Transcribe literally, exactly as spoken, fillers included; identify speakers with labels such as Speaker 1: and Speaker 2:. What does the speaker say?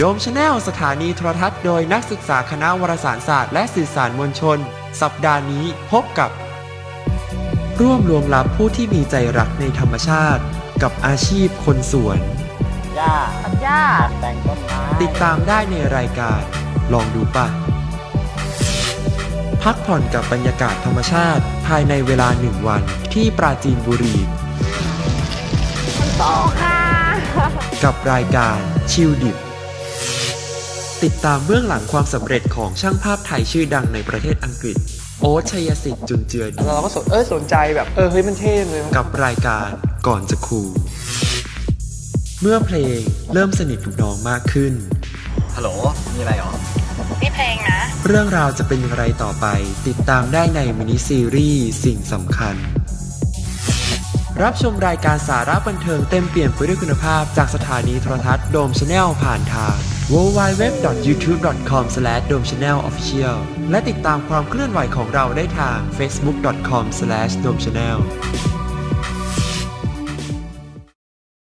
Speaker 1: โดมชาแนลสถานีโทรทัศน์โดยนักศึกษาคณะวารสารศาสตร์และสื่อสารมวลชนสัปดาห์นี้พบกับร่วมรวมลับผู้ที่มีใจรักในธรรมชาติกับอาชีพคนสวน
Speaker 2: หญ้า
Speaker 3: ตัดหญ้า
Speaker 2: แต่งต้นไม้
Speaker 1: ติดตามได้ในรายการลองดูป่ะพักผ่อนกับบรรยากาศธรรมชาติภายในเวลาหนึ่งวันที่ปราจีนบุรี
Speaker 3: โตค่ะ
Speaker 1: กับรายการชิลดิบติดตามเบื้องหลังความสำเร็จของช่างภาพไทยชื่อดังในประเทศอังกฤษโอ๊ตชัยสิทธิ์จุนเจือดี
Speaker 2: เราก็สนเออสนใจแบบเออเฮ้ยมันเท่เลย
Speaker 1: กับรายการก่อนจะคูลเมื่อเพลงเริ่มสนิทกับน้องมากขึ้น
Speaker 2: ฮัลโหลมีอะไรหรอ
Speaker 3: นี่เพลงนะ
Speaker 1: เรื่องราวจะเป็นอย่างไรต่อไปติดตามได้ในมินิซีรีส์สิ่งสำคัญรับชมรายการสาระบันเทิงเต็มเปลี่ยนไปด้วยคุณภาพจากสถานีโทรทัศน์โดมชาแนลผ่านทาง ดับเบิลยู ดับเบิลยู ดับเบิลยู ดอท ยูทูบ ดอท คอม สแลช โดมชาแนล ออฟฟิเชียล และติดตามความเคลื่อนไหวของเราได้ทาง เฟซบุ๊ก ดอท คอม สแลช โดมชาแนล